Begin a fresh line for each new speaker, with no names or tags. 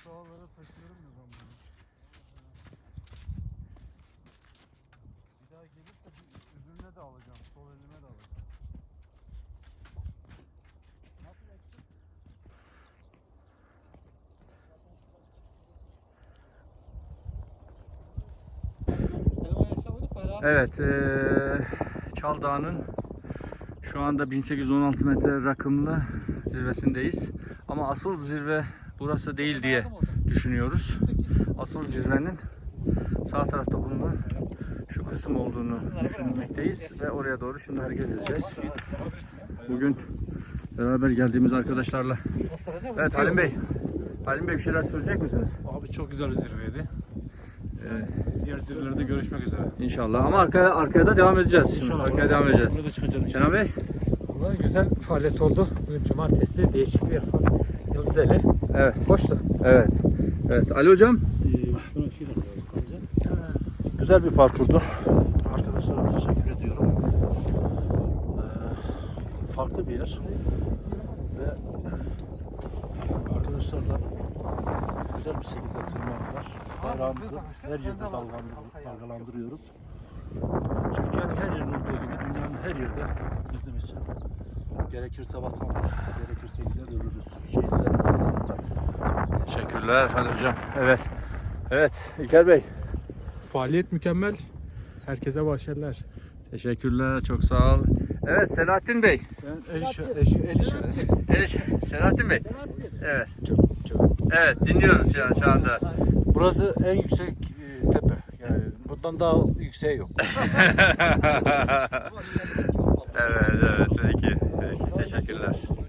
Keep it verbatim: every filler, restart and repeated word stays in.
dağlara taşıyorum ya ben bunu. Bir daha gelirse bir öbürüne de alacağım. Sol elime de alacağım. Ne yapacaksın?
Evet, ee, Çal Dağı'nın şu anda bin sekiz yüz on altı metre rakımlı zirvesindeyiz. Ama asıl zirve burası değil diye düşünüyoruz. Asıl zirvenin sağ tarafta bulunan şu kısım olduğunu düşünmekteyiz ve oraya doğru şimdi hareket edeceğiz. Bugün beraber geldiğimiz arkadaşlarla. Evet Halim Bey. Halim Bey bir şeyler söyleyecek misiniz?
Abi çok güzel bir zirveydi.
Ee,
Diğer zirvelerde görüşmek üzere.
İnşallah ama arkaya arkaya da devam edeceğiz. Şimdi
İnşallah.
arkaya devam edeceğiz.
Burada çıkacağız.
Kenan Bey.
Vallahi güzel bir faaliyet oldu. Bugün cumartesi değişik bir yer falan. Yıldızeli.
Evet.
Hoştu.
Evet. Evet. Ali hocam.
Ee, şuna şey de koyalım. Güzel bir parkurdu. Arkadaşlara teşekkür ediyorum. Ee, farklı bir yer. Ve arkadaşlarla güzel bir şekilde tırmandılar. Bayrağımızı her yerde dalgalandır- dalgalandırıyoruz. Türkiye'nin her yerinde olduğu gibi dünyanın her yerde bizim için gerekirse vatan, gerekirse gider ölürüz. Şehitlerimizin yanındayız.
Teşekkürler Ali hocam. Evet. Evet İlker Bey.
Faaliyet mükemmel. Herkese başarılar.
Teşekkürler. Çok sağ ol. Evet Selahattin Bey.
Ben el, el, el işareti.
Evet, Selahattin Bey. Evet.
Çok, çok.
Evet dinliyoruz şu, an, şu anda.
Burası en yüksek e, tepe. Yani bundan daha yükseği yok.
Evet evet peki. Peki teşekkürler.